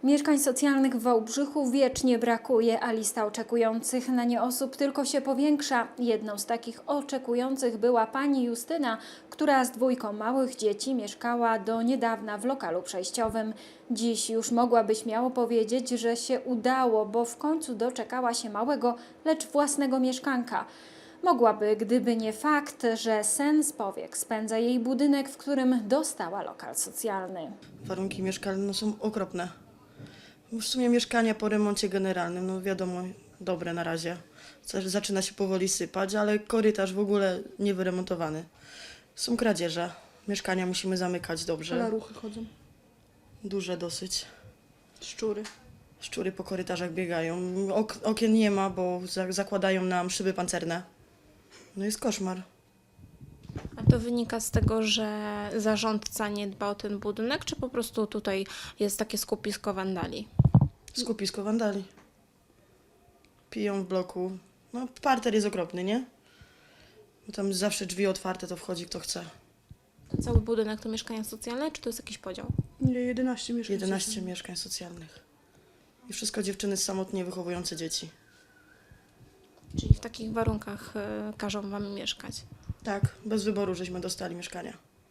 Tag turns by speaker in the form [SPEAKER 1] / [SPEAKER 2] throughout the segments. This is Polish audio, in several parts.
[SPEAKER 1] Mieszkań socjalnych w Wałbrzychu wiecznie brakuje, a lista oczekujących na nie osób tylko się powiększa. Jedną z takich oczekujących była pani Justyna, która z dwójką małych dzieci mieszkała do niedawna w lokalu przejściowym. Dziś już mogłaby śmiało powiedzieć, że się udało, bo w końcu doczekała się małego, lecz własnego mieszkanka. Mogłaby, gdyby nie fakt, że sen z powiek spędza jej budynek, w którym dostała lokal socjalny.
[SPEAKER 2] Warunki mieszkalne są okropne. W sumie mieszkania po remoncie generalnym, no wiadomo, dobre na razie. Zaczyna się powoli sypać, ale korytarz w ogóle niewyremontowany. Są kradzieże. Mieszkania musimy zamykać dobrze.
[SPEAKER 3] Kalaruchy chodzą,
[SPEAKER 2] Duże dosyć.
[SPEAKER 3] szczury.
[SPEAKER 2] Szczury po korytarzach biegają. Okien nie ma, bo zakładają nam szyby pancerne. No jest koszmar.
[SPEAKER 4] A to wynika z tego, że zarządca nie dba o ten budynek, czy po prostu tutaj jest takie skupisko wandali?
[SPEAKER 2] Skupisko wandali. Piją w bloku. No parter jest okropny, nie? Bo tam zawsze drzwi otwarte, to wchodzi kto chce.
[SPEAKER 4] Cały budynek to mieszkania socjalne, czy to jest jakiś podział?
[SPEAKER 3] Nie, 11 mieszkań.
[SPEAKER 2] 11 mieszkań socjalnych. I wszystko dziewczyny samotnie wychowujące dzieci.
[SPEAKER 4] Czyli w takich warunkach każą wam mieszkać?
[SPEAKER 2] Tak, bez wyboru żeśmy dostali mieszkania.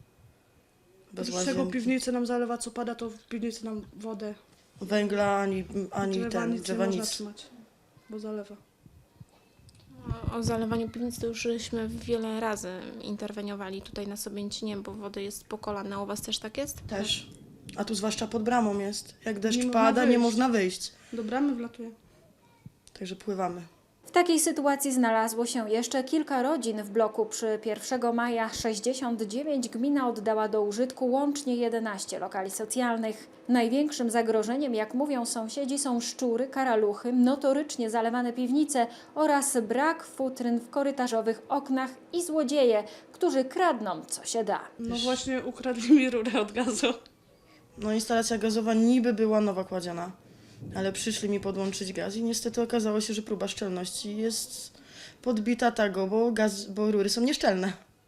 [SPEAKER 2] Bez
[SPEAKER 3] Z czego
[SPEAKER 2] łazienki.
[SPEAKER 3] piwnicy nam zalewa, co pada, to w piwnicy nam wodę.
[SPEAKER 2] Węgla, ani
[SPEAKER 3] Drzewa nic nie można
[SPEAKER 2] nic.
[SPEAKER 3] trzymać, bo zalewa.
[SPEAKER 4] O zalewaniu piwnic to już żeśmy wiele razy interweniowali tutaj na Sobięcinie, bo wody jest po kolana. U was też tak jest?
[SPEAKER 2] Też. A tu zwłaszcza pod bramą jest. Jak deszcz
[SPEAKER 3] Nie można
[SPEAKER 2] pada, nie
[SPEAKER 3] wyjść.
[SPEAKER 2] można wyjść.
[SPEAKER 3] Do bramy wlatuje.
[SPEAKER 2] Także pływamy.
[SPEAKER 1] W takiej sytuacji znalazło się jeszcze kilka rodzin w bloku. Przy 1 maja 69 gmina oddała do użytku łącznie 11 lokali socjalnych. Największym zagrożeniem, jak mówią sąsiedzi, są szczury, karaluchy, notorycznie zalewane piwnice oraz brak futryn w korytarzowych oknach i złodzieje, którzy kradną co się da.
[SPEAKER 3] No właśnie ukradli mi rurę od gazu.
[SPEAKER 2] No instalacja gazowa niby była nowa kładziona, ale przyszli mi podłączyć gaz i niestety okazało się, że próba szczelności jest podbita tego, bo rury są nieszczelne.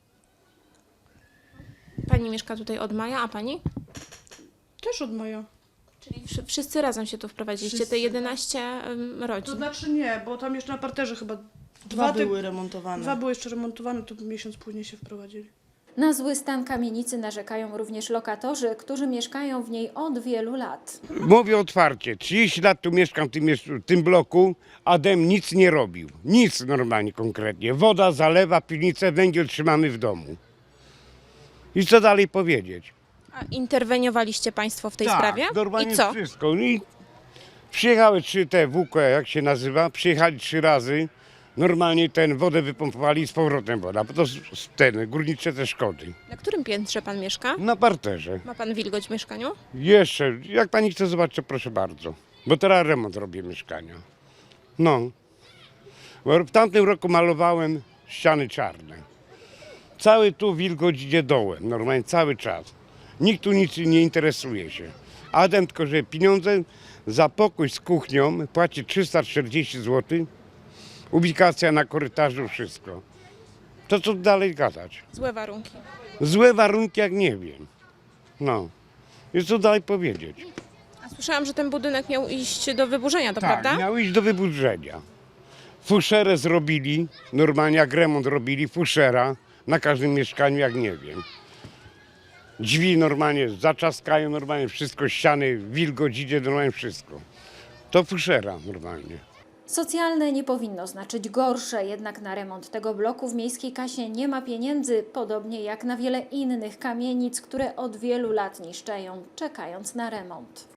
[SPEAKER 4] Pani mieszka tutaj od maja, a pani?
[SPEAKER 3] Też od maja.
[SPEAKER 4] Czyli wszyscy razem się tu wprowadziliście, te
[SPEAKER 3] Wszyscy.
[SPEAKER 4] 11
[SPEAKER 3] To
[SPEAKER 4] rodzin.
[SPEAKER 3] znaczy nie, bo tam jeszcze na parterze chyba
[SPEAKER 2] Dwa
[SPEAKER 3] typ-
[SPEAKER 2] były remontowane.
[SPEAKER 3] Dwa były jeszcze remontowane, to miesiąc później się wprowadzili.
[SPEAKER 1] Na zły stan kamienicy narzekają również lokatorzy, którzy mieszkają w niej od wielu lat.
[SPEAKER 5] Mówię otwarcie, 30 lat tu mieszkam w tym bloku, Adem nic nie robił. Nic normalnie konkretnie. Woda zalewa, piwnicę, węgiel trzymamy w domu. I co dalej powiedzieć?
[SPEAKER 4] A interweniowaliście państwo w tej sprawie?
[SPEAKER 5] Normalnie
[SPEAKER 4] I co?
[SPEAKER 5] wszystko. I przyjechały te WK, jak się nazywa, przyjechali 3 razy. Normalnie wodę wypompowali i z powrotem woda, bo to górnicze te szkody.
[SPEAKER 4] Na którym piętrze pan mieszka?
[SPEAKER 5] Na parterze.
[SPEAKER 4] Ma pan wilgoć w mieszkaniu?
[SPEAKER 5] Jeszcze, jak pani chce zobaczyć, to proszę bardzo. Bo teraz remont robię mieszkania. No. Bo w tamtym roku malowałem ściany czarne. Cały tu wilgoć idzie dołem, normalnie cały czas. Nikt tu nic nie interesuje się. Adam tylko, że pieniądze za pokój z kuchnią płaci 340 zł. Ubikacja na korytarzu, wszystko. To co dalej gadać?
[SPEAKER 4] Złe warunki.
[SPEAKER 5] Złe warunki jak nie wiem. No. I co dalej powiedzieć?
[SPEAKER 4] A słyszałam, że ten budynek miał iść do wyburzenia, to
[SPEAKER 5] Tak,
[SPEAKER 4] prawda?
[SPEAKER 5] miał iść do wyburzenia. Fuszerę zrobili, normalnie jak remont robili, fuszera na każdym mieszkaniu, jak nie wiem. Drzwi normalnie zaczaskają, normalnie wszystko, ściany, wilgoć idzie, normalnie wszystko. To fuszera normalnie.
[SPEAKER 1] Socjalne nie powinno znaczyć gorsze, jednak na remont tego bloku w miejskiej kasie nie ma pieniędzy, podobnie jak na wiele innych kamienic, które od wielu lat niszczeją, czekając na remont.